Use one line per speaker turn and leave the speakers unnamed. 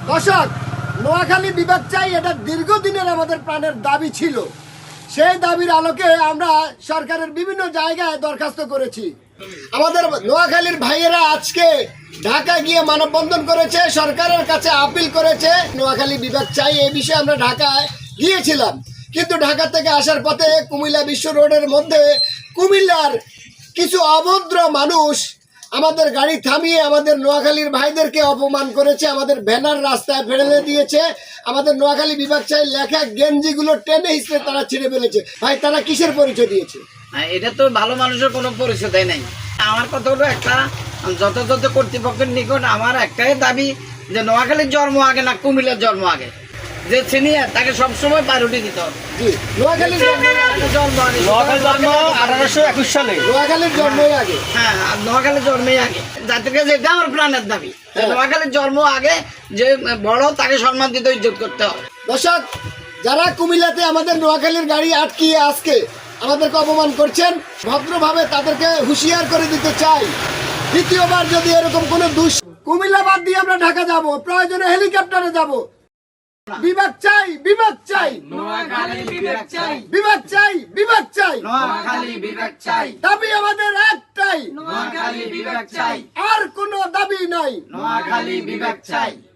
দর্শক, নোয়াখালী বিভাগ চাই, এটা দীর্ঘদিনের আমাদের প্রাণের দাবি ছিল। সেই দাবির আলোকে আমরা সরকারের বিভিন্ন জায়গায় দরখাস্ত করেছি। আমাদের নোয়াখালীর ভাইয়েরা আজকে ঢাকা গিয়ে মানববন্ধন করেছে, সরকারের কাছে আপিল করেছে নোয়াখালী বিভাগ চাই। এই বিষয়ে আমরা ঢাকায় গিয়েছিলাম, কিন্তু ঢাকা থেকে আসার পথে কুমিল্লা বিশ্ব রোডের মধ্যে কুমিল্লার কিছু অভদ্র মানুষ আমাদের গাড়ি থামিয়ে আমাদের নোয়াখালীর ভাইদেরকে অপমান করেছে, আমাদের ব্যানার রাস্তায় ফেলে দিয়েছে, আমাদের নোয়াখালী বিভাগ চাই লেখা গেঞ্জিগুলো টেনে হিসেবে তারা ছিঁড়ে ফেলেছে। ভাই, তারা কিসের পরিচয় দিয়েছে?
এটা তো ভালো মানুষের কোনো পরিচয় দেয় নাই। আমার কথা হলো, একটা যথাযথ কর্তৃপক্ষের নিকট আমার একটাই দাবি যে নোয়াখালীর জন্ম আগে না কুমিল্লার জন্ম আগে। যে সিনিয়র তাকে সবসময় প্রায়োরিটি দিতে হবে।
নোয়াখালীর জন্ম
1821 সালে
নোয়াখালীর জন্মই আগে।
হ্যাঁ, নোয়াখালীর জন্মই আগে। যাতে করে এটা আমার প্রাণের দাবি, নোয়াখালীর জন্ম আগে, যে বড় তাকে সম্মান দিতে, ইজ্জত করতে হবে।
দর্শক, যারা কুমিল্লাতে আমাদের নোয়াখালীর গাড়ি আটকিয়ে আজকে আমাদেরকে অপমান করছেন, ভদ্রভাবে তাদেরকে হুঁশিয়ার করে দিতে চাই, দ্বিতীয়বার যদি এরকম কোনো কুমিল্লা বাদ দিয়ে আমরা ঢাকা যাব, প্রয়োজনে হেলিকপ্টারে যাব। বিভাগ চাই, বিভাগ চাই,
নোয়াখালী বিভাগ চাই,
বিভাগ চাই, বিভাগ চাই,
নোয়াখালী বিভাগ চাই,
দাবি আমাদের একটাই,
নোয়াখালী বিভাগ চাই,
আর কোনো দাবি নাই,
নোয়াখালী বিভাগ চাই।